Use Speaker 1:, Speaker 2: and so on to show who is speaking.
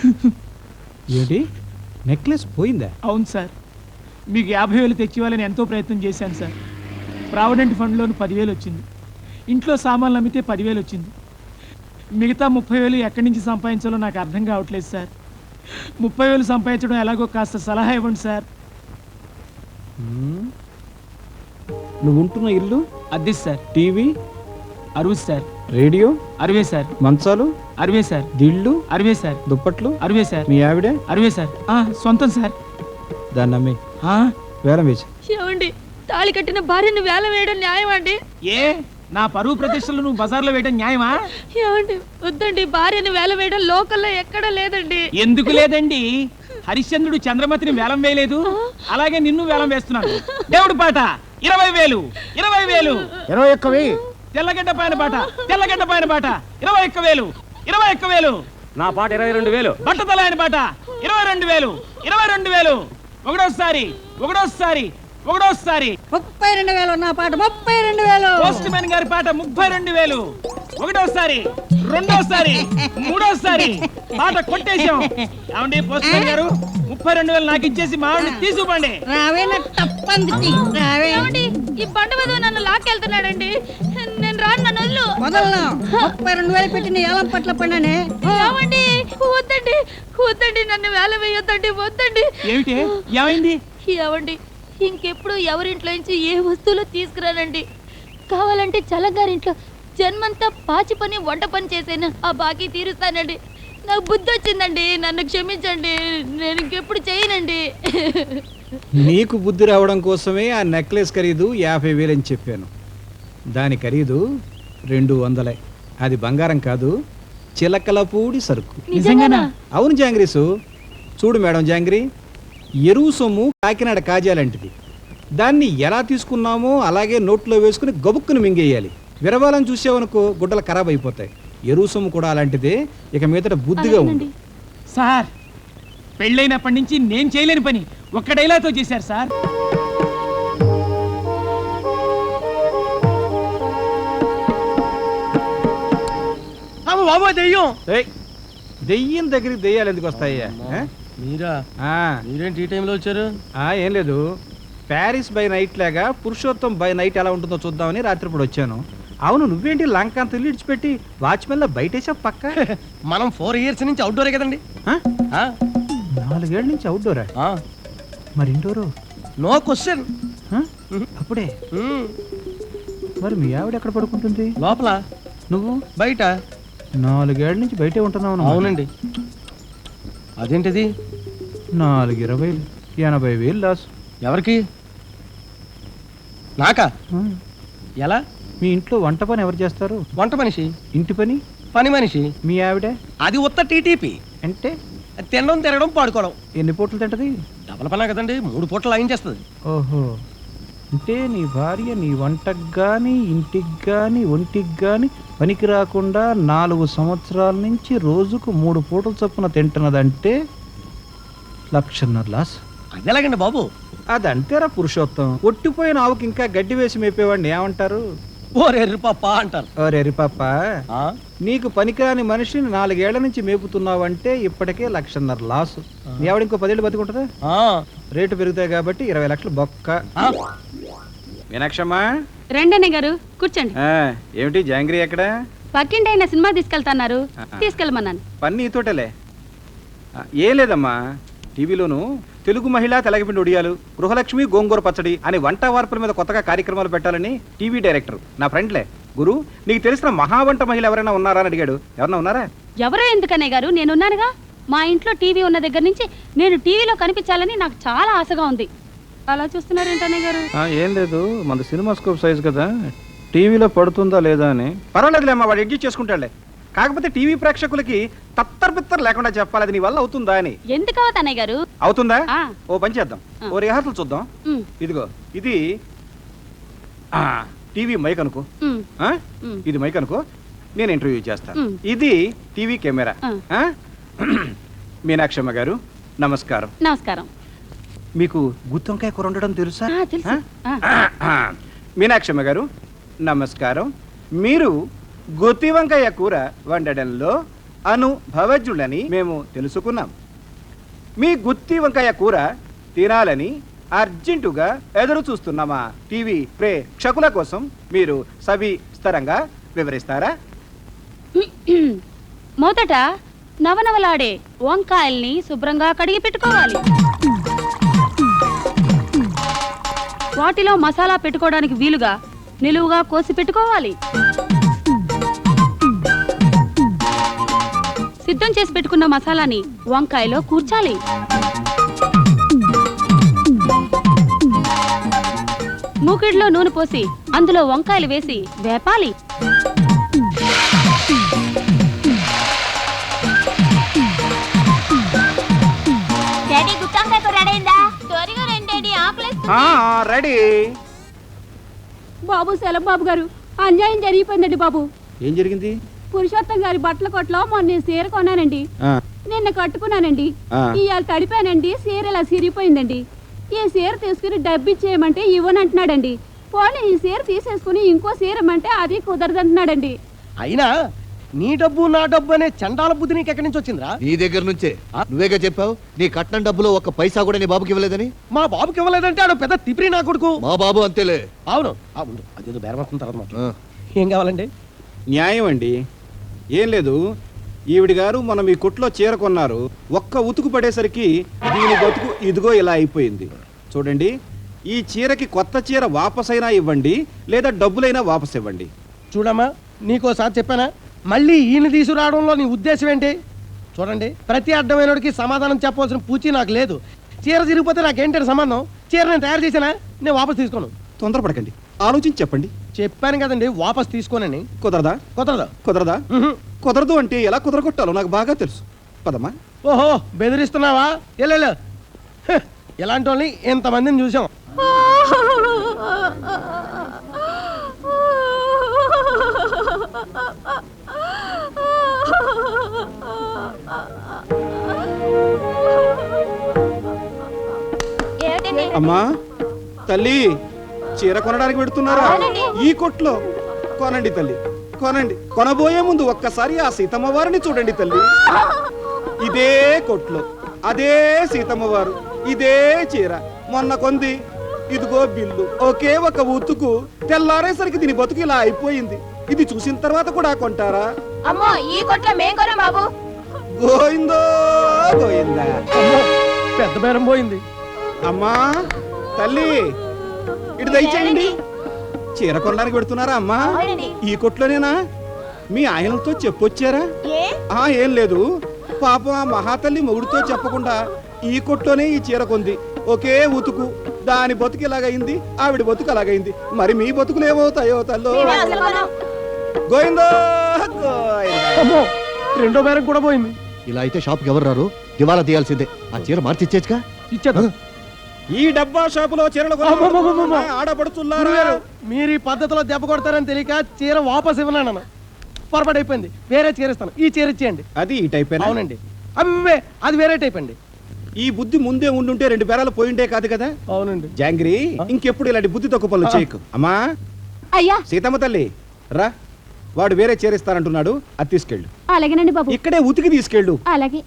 Speaker 1: ఏంటి నెక్లెస్ పోయిందా?
Speaker 2: అవును సార్, మీకు 50,000 తెచ్చివ్వాలని ఎంతో ప్రయత్నం చేశాను సార్. ప్రావిడెంట్ ఫండ్లోని 10,000 వచ్చింది, ఇంట్లో సామాన్లు అమ్మితే 10,000 వచ్చింది. మిగతా 30,000 ఎక్కడి నుంచి సంపాదించాలో నాకు అర్థం కావట్లేదు సార్. 30,000 సంపాదించడం ఎలాగో కాస్త సలహా ఇవ్వండి సార్.
Speaker 1: నువ్వు ఉంటున్న ఇల్లు
Speaker 2: అద్దె sir.
Speaker 1: TV
Speaker 2: 60 sir.
Speaker 1: Radio
Speaker 2: 60 sir.
Speaker 1: మంచాలు
Speaker 2: 60 సార్.
Speaker 1: దిళ్ళు
Speaker 2: 60 సార్.
Speaker 1: దుప్పట్లు
Speaker 2: 60 సార్.
Speaker 1: మీ ఆవిడే
Speaker 2: 60 సార్. సొంతం సార్.
Speaker 1: దాన్ని అమ్మి వేలం వేసి.
Speaker 3: ఏమండి, తాళి కట్టిన భార్యను వేలం వేయడం న్యాయమా అండి?
Speaker 2: ఏ నా పరువు ప్రతిష్టలు నువ్వు బజార్లో వేయడం న్యాయమా?
Speaker 3: ఏమండి, వద్దండి, భార్యను వేలం వేయడం లోకల్లో ఎక్కడా లేదండి.
Speaker 2: ఎందుకు లేదండి? హరిశ్చంద్రుడు చంద్రమతిని వేలం వేయలేదు, అలాగే నిన్ను వేలం వేస్తున్నాను. దేవుడి పాట 20,000. 20,000.
Speaker 4: 21,000.
Speaker 2: తెల్లగడ్డ పైన పాట 21,000. 21,000.
Speaker 4: నా పాట 22,000.
Speaker 2: బట్టతల ఆయన పాట 22,000. 22,000. ఒకటోసారి
Speaker 5: 32,000 నా పాట 32,000.
Speaker 2: పోస్ట్ మ్యాన్ గారి పాట 32,000. ఒకటోసారి, రెండోసారి, మూడోసారి పాట కొట్టేశాం. ఏమండి పోస్ట్ మ్యాన్ గారు, 32,000 నాకు ఇచ్చేసి మా ఆవిడని తీసుకుపండి.
Speaker 3: ఈ బండ మీద నన్ను లాక్కెళ్తున్నాడండి. నేను రాను, నన్ను వదిలు.
Speaker 5: 32,000 పెట్టిన ఏలం పట్ల పడినానే.
Speaker 3: ఏమండి, వద్దండి, నన్ను వేలం వేయొద్దండి, వద్దండి.
Speaker 2: ఏమిటి ఏమైంది?
Speaker 3: ఏమండి, ఇంకెప్పుడు ఎవరింట్లో నుంచి ఏ వస్తువులు తీసుకురానండి. కావాలంటే చల్లగారింట్లో జన్మంతా పాచి పని వంట పని చేసేనా ఆ బాకీ తీరుస్తానండి. నాకు బుద్ధి వచ్చిందండి, నన్ను క్షమించండి, నేను ఇంకెప్పుడు చేయనండి.
Speaker 1: నీకు బుద్ధి రావడం కోసమే ఆ నెక్లెస్ ఖరీదు 50,000 అని చెప్పాను. దాని ఖరీదు 200. అది బంగారం కాదు, చిలకలపూడి సరుకు.
Speaker 3: నిజంగానా?
Speaker 1: అవును జాంగ్రీసు. చూడు మేడం జాంగ్రీ, ఎరువు సొమ్ము కాకినాడ కాజాలంటిది. దాన్ని ఎలా తీసుకున్నామో అలాగే నోట్లో వేసుకుని గబుక్కుని మింగేయాలి. విరవాలని చూసావనుకో గుడ్డలు ఖరాబ్ అయిపోతాయి. ఎరువు సొమ్ము కూడా అలాంటిదే. ఇక మీదట బుద్ధిగా ఉంది.
Speaker 2: సార్, పెళ్ళైనప్పటి నుంచి నేను చేయలేని పని ఒక్క డైలాగ్తో చేశారు సార్.
Speaker 4: బాబా దెయ్యం.
Speaker 1: దెయ్యం దగ్గరికి దెయ్యాలు ఎందుకు వస్తాయ్యా?
Speaker 4: మీరేంటి ఈ టైంలో వచ్చారు?
Speaker 1: ఏం లేదు, ప్యారిస్ బై నైట్ లాగా పురుషోత్తం బై నైట్ ఎలా ఉంటుందో చూద్దామని రాత్రిపూట వచ్చాను. అవును, నువ్వేంటి లంక అంత ఇల్లు ఇడిచిపెట్టి వాచ్మెన్ లో బయటేసా పక్క?
Speaker 4: మనం 4 years నుంచి అవుట్డోరే కదండి.
Speaker 1: 4 ఏళ్ళ నుంచి అవుట్డోరా? మరి ఇండోరు?
Speaker 4: No question.
Speaker 1: అప్పుడే మరి మీ ఆవిడ ఎక్కడ పడుకుంటుంది?
Speaker 4: లోపల.
Speaker 1: నువ్వు
Speaker 4: బయట.
Speaker 1: 4 ఏళ్ళ నుంచి బయటే ఉంటున్నావు.
Speaker 4: అవునండి. అదేంటిది?
Speaker 1: 4, 20, 80,000 లాస్.
Speaker 4: ఎవరికి? నాకా? ఎలా?
Speaker 1: మీ ఇంట్లో వంట పని ఎవరు చేస్తారు?
Speaker 4: వంట మనిషి.
Speaker 1: ఇంటి పని?
Speaker 4: పని మనిషి.
Speaker 1: మీ ఆవిడ?
Speaker 4: అది ఉత్త టీటీపీ.
Speaker 1: అంటే
Speaker 4: తినడం తిరగడం పాడుకోవడం.
Speaker 1: ఎన్ని పూటలు తింటది?
Speaker 4: డబల్ పనా కదండి, 3 పూటలు లాగించేస్తుంది.
Speaker 1: ఓహో, అంటే నీ భార్య నీ వంటకు కానీ ఇంటికి కానీ ఒంటికి కానీ పనికి రాకుండా 4 సంవత్సరాల నుంచి రోజుకు 3 పూటలు చొప్పున తింటున్నదంటే 1,50,000 లాస్.
Speaker 4: అది ఎలాగండి బాబు?
Speaker 1: అదంతేరా పురుషోత్తం. ఒట్టిపోయిన ఆవుకి ఇంకా గడ్డి వేసి మేపేవాడిని ఏమంటారు?
Speaker 4: ఓరెర్రి పాప అంటారు.
Speaker 1: ఓరెర్రి పాప, నీకు పనికిరాని మనిషిని 4 ఏళ్ల నుంచి మేపుతున్నావంటే ఇప్పటికే 1,50,000 లాస్. నీ ఆవిడ ఇంకో 10 ఏళ్ళు బతికుంటుందా? రేటు పెరుగుతాయి కాబట్టి 20 లక్షలు బొక్క. మీనాక్షమ్మా,
Speaker 3: రండి గారు, కూర్చోండి.
Speaker 1: ఏమిటి జాంగ్రీ ఎక్కడ?
Speaker 3: పక్కింటి ఆయన సినిమా తీసుకెళ్తాన్నారు, తీసుకెళ్ళమన్నాను.
Speaker 1: పని నీతోటలే. ఏం లేదమ్మా, టీవీలోను తెలుగు మహిళా తెలగపిండి ఒడియాలు, గృహలక్ష్మి గోంగూర పచ్చడి అని వంట వార్పుల మీద కొత్తగా కార్యక్రమాలు పెట్టాలని టీవీ డైరెక్టర్ నా ఫ్రెండ్లే గురు, నీకు తెలిసిన మహావంట మహిళ ఎవరైనా ఉన్నారా అని అడిగాడు. ఎవరన్నా ఉన్నారా?
Speaker 3: ఎవరో ఎందుకనే గారు, నేనున్నానుగా. మా ఇంట్లో టీవీ ఉన్న దగ్గర నుంచి నేను టీవీలో కనిపించాలని నాకు చాలా ఆశగా ఉంది. అలా చూస్తున్నారేంటనే గారు?
Speaker 1: ఏం లేదు, మన సినిమా స్కోప్ సైజ్ కదా, టీవీలో పడుతుందా లేదా అని. పర్వాలేదులేమ్మా, వాడు ఎడ్జిట్ చేసుకుంటాడులే. కాకపోతే టీవీ ప్రేక్షకులకి తత్తర్ లేకుండా చెప్పాలి, అది నీ వల్ల అవుతుందా అని.
Speaker 3: ఎందుకు అవుతానే గారు?
Speaker 1: అవుతుందా? ఓ పని చేద్దాం, ఓ రిహార్సల్ చూద్దాం. ఇదిగో ఇది టీవీ మైక్ అనుకో, ఇది మైక్ అనుకో, నేను ఇంటర్వ్యూ చేస్తాను. ఇది టీవీ కెమెరా. మీనాక్షమ్మ గారు నమస్కారం.
Speaker 3: నమస్కారం.
Speaker 1: మీకు గుత్తొంకాయ కూర వండడం తెలుసా? మీనాక్షమ్మ గారు నమస్కారం. మీరు గుత్తి వంకాయ కూర వండడంలో అనుభవజ్ఞులని మేము తెలుసుకున్నాం. మీ గుత్తి వంకాయ కూర తినాలని అర్జెంటుగా ఎదురు చూస్తున్న మా టీవీ ప్రేక్షకుల కోసం మీరు సవిస్తరంగా వివరిస్తారా?
Speaker 3: మొదట నవనవలాడే వంకాయల్ని శుభ్రంగా కడిగి పెట్టుకోవాలి. వాటిలో మసాలా పెట్టుకోవడానికి వీలుగా నిలువుగా కోసి పెట్టుకోవాలి. సిద్ధం చేసి పెట్టుకున్న మసాలాని వంకాయలో కూర్చాలి. మూకిడిలో నూనె పోసి అందులో వంకాయలు వేసి వేపాలి.
Speaker 1: రెడీ.
Speaker 6: బాబు సెలం బాబు గారు, అన్యాయం జరిగిపోయిందండి బాబు.
Speaker 1: ఏం జరిగింది?
Speaker 6: పురుషోత్తం గారి బట్టల కొట్లో మొన్న సీర కొన్నానండి. నిన్న కట్టుకున్నానండి. ఇవాళ తడిపానండి, సీర ఇలా సిరిగిపోయిందండి. ఈ సీర తీసుకుని డబ్బు ఇచ్చేయమంటే ఇవ్వనంటున్నాడండి. పోనీ ఈ సీర తీసేసుకుని ఇంకో సీర ఇమ్మంటే అది కుదరదంటున్నాడండి.
Speaker 4: అయినా నీ డబ్బు నా డబ్బు అనే చండాల బుద్ధి నీకు ఎక్కడి నుంచి వచ్చిందిరా?
Speaker 7: నీ దగ్గర నుంచే. నువ్వేగా చెప్పావు నీ కట్నం డబ్బులో ఒక్క పైసా కూడా నీ బాబుకి ఇవ్వలేదని.
Speaker 4: మా బాబుకి ఇవ్వలేదంటే ఆడు పెద్ద తిప్పిరి నా కొడుకు.
Speaker 7: మా బాబు అంతేలే.
Speaker 4: అవును అవును, అదేదో బేరం వస్తున్న తర్వాత మాట్లాడు. ఏం కావాలండి?
Speaker 1: న్యాయం అండి. ఏం లేదు, ఈవిడి గారు మనం ఈ కొట్లో చీర కొన్నారు. ఒక్క ఉతుకు పడేసరికి దీని బతుకు ఇదిగో ఇలా అయిపోయింది. చూడండి, ఈ చీరకి కొత్త చీర వాపసైనా ఇవ్వండి, లేదా డబ్బులైనా వాపస్ ఇవ్వండి.
Speaker 4: చూడమ్మా, నీకోసారి చెప్పానా, మళ్ళీ ఈయన తీసుకురావడంలో నీ ఉద్దేశం ఏంటి? చూడండి, ప్రతి అడ్డమైనడికి సమాధానం చెప్పవలసిన పూచి నాకు లేదు. చీర తిరిగిపోతే నాకేంటంటే సంబంధం? చీర నేను తయారు చేశానా? నేను వాపస్ తీసుకోను.
Speaker 1: తొందరపడకండి, ఆలోచించి చెప్పండి.
Speaker 4: చెప్పాను కదండి, వాపస్ తీసుకోనని.
Speaker 1: కుదరదా?
Speaker 4: కుదరదు.
Speaker 1: కుదరదా? కుదరదు అంటే ఎలా కుదరగొట్టాలో నాకు బాగా తెలుసు. పదమ్మా.
Speaker 4: ఓహో, బెదిరిస్తున్నావా? ఎల్లెళ్ళు. ఇలాంటి వాళ్ళని ఎంతమందిని చూసాం.
Speaker 1: అమ్మా, తల్లి, చీర కొనడానికి పెడుతున్నారా? ఈ కొట్లో కొనండి తల్లి, కొనండి. కొనబోయే ముందు ఒక్కసారి ఆ సీతమ్మ వారిని చూడండి తల్లి. ఇదే కొట్లో అదే సీతమ్మ వారు, ఇదే చీర మొన్న కొంది. ఇదిగో బిల్లు. ఒకే ఒక ఉతుకు తెల్లారేసరికి దీని బతుకు ఇలా అయిపోయింది. ఇది చూసిన తర్వాత కూడా కొంటారా?
Speaker 3: అమ్మో, ఈ కొట్లో మేం కొనం బాబు.
Speaker 1: గోయిందో గోయిందా.
Speaker 4: అమ్మో, పెద్ద బేరం పోయింది.
Speaker 1: అమ్మా, తల్లి, ఇటు దయచేయండి. చీర కొనడానికి పెడుతున్నారా అమ్మా? ఈ కొట్లోనేనా? మీ ఆయనతో చెప్పొచ్చారా? ఏం లేదు, పాపం ఆ మహాతల్లి మొగుడుతో చెప్పకుండా ఈ కొట్లోనే ఈ చీర కొంది. ఒకే ఉతుకు, దాని బతుకు ఇలాగైంది, ఆవిడ బతుకు అలాగైంది. మరి మీ బతుకులు ఏమవుతాయో తల్లో. గోయిందో గోయిందా.
Speaker 4: అమ్మో, రెండో బేరం కూడా పోయింది.
Speaker 7: ఇలా అయితే షాప్కి ఎవరు రారు, దివాలా తీయాల్సిందే. ఆ చీర మార్చి ఇచ్చేచ్చుగా.
Speaker 4: ఇచ్చేద్దాం.
Speaker 1: ఈ డబ్బా షాపులో చీరలు ఆడపడుతున్నారా?
Speaker 4: మీరు ఈ పద్ధతిలో దెబ్బ కొడతారని తెలియక చీర వాపస్ ఇవ్వనాను. పొరపాటు అయిపోయింది, వేరే చీర ఇస్తాను. ఈ చీర ఇచ్చేయండి.
Speaker 1: అది ఈ టైప్.
Speaker 4: అవునండి. అమ్మే, అది వేరే టైప్ అండి.
Speaker 1: ఈ బుద్ధి ముందే ఉండుంటే 2 బేరాలు పోయిండే కాదు కదా.
Speaker 4: అవునండి.
Speaker 1: జాంగ్రీ, ఇంకెప్పుడు ఇలాంటి బుద్ధి తక్కువ పనులు చేయకు. అమ్మా,
Speaker 6: అయ్యా,
Speaker 1: సీతమ్మ తల్లి రా, వాడు వేరే చీర ఇస్తానంటున్నాడు, అది తీసుకెళ్ళు.
Speaker 6: అలాగేనండి బాబు.
Speaker 1: ఇక్కడే ఉతికి తీసుకెళ్ళు.
Speaker 6: అలాగే.